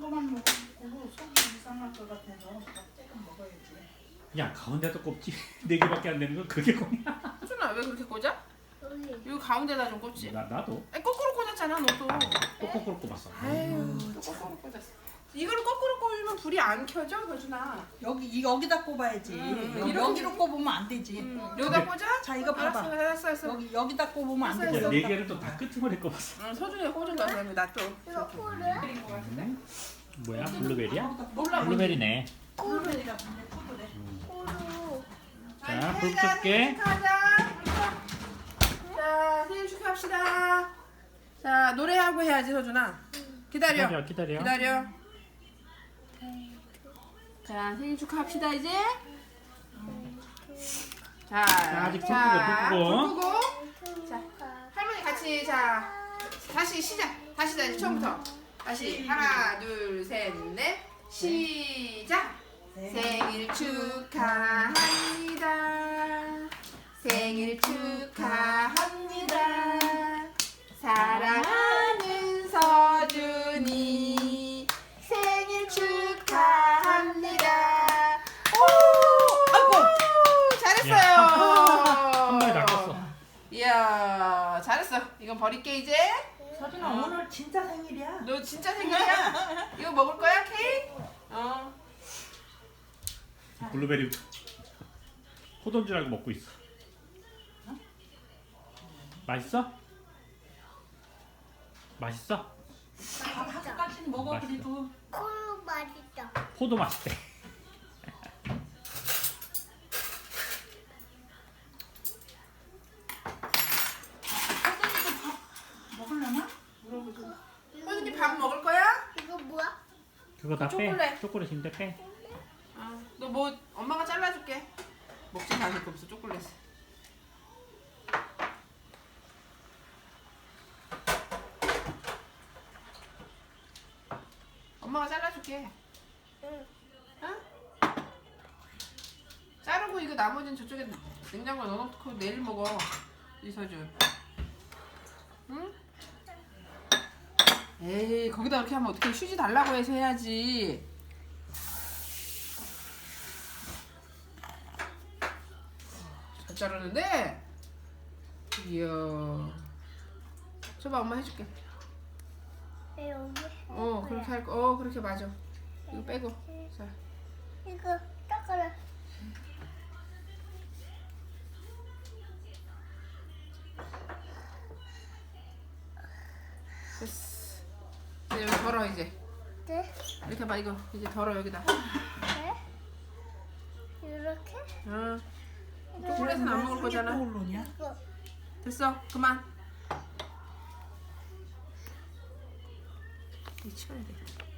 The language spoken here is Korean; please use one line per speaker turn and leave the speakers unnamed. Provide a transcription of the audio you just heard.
이거만 먹고 속이 이상할 것 같아서 밥 조금 먹어야지.
야 가운데도 꼽지 4개밖에 안 되는 거 그게 꼽냐?
수준아 왜 그렇게 꽂아? 여기 가운데다 좀 꽂지.
나도
아니, 거꾸로 꽂았잖아 너도.
꼬꼬꼬 꼽았어.
아유 또 거꾸로 꽂았어. 이거를 거꾸로 꽂으면 불이 안 켜져 효준아.
여기다 꼽아야지. 여기로 꼽으면 안 되지.
여기다 꽂아?
자, 이거 봐봐.
알았어.
여기다 꼽으면 안
알았어,
되지.
알았어.
4개를 또 다 끄트머리 꼽았어.
응, 서준이가 꽂은 거야 그러면 나 또.
이거 코를?
그린 거 같은데?
뭐야 블루베리야?
몰라.
블루베리네.
코르가 근데 코르래.
코로.
자, 불 끌게.
자, 생일 축하합시다. 자, 노래하고 해야지, 서준아. 기다려.
기다려.
자, 생일 축하합시다, 이제. 자,
아직 불 끄고.
자, 할머니 같이, 자, 다시 시작. 다시, 처음부터. 다시, 하나, 둘, 셋, 넷. 시작. 생일 축하합니다. 생일 축하합니다. 사랑하는 서준이 생일 축하합니다. 오! 아이고! 잘했어요.
한 마리 낚았어.
이야, 잘했어. 이건 버릴게 이제.
서준아 오늘 진짜 생일이야.
너 진짜 생일이야? 이거 먹을 거야, 케이크?
블루베리 포도인 줄 알고 먹고 있어. 맛있어? 맛있어?
밥까지 먹어
맛있어.
그래도.
코로 맛있다.
포도 맛있대.
서준이도 밥 먹으려나?
서준이 밥 먹을 거야?
이거 뭐야?
그거 다 빼.
초콜릿.
초콜릿인데 빼.
너 뭐 엄마가 잘라줄게. 먹지 않을 거 없어 초콜릿. 엄마가 잘라줄게.
응.
응? 자르고 이거 나머지는 저쪽에 냉장고에 넣어놓고 내일 먹어. 이서준. 응? 에이 거기다 그렇게 하면 어떻게 휴지 달라고 해서 해야지. 잘 자르는데? 이야. 줘봐 엄마 해줄게.
여기.
그렇게 할 거. 그렇게 맞아. 이거 빼고. 자.
이거 닦아라.
됐어. 이제 여기 덜어 이제.
네.
이렇게 봐 이거 이제 덜어 여기다.
네. 이렇게.
응. 초콜릿은 안 먹을 거잖아.
올로냐?
이거.
됐어. 그만. 이 치워야 돼.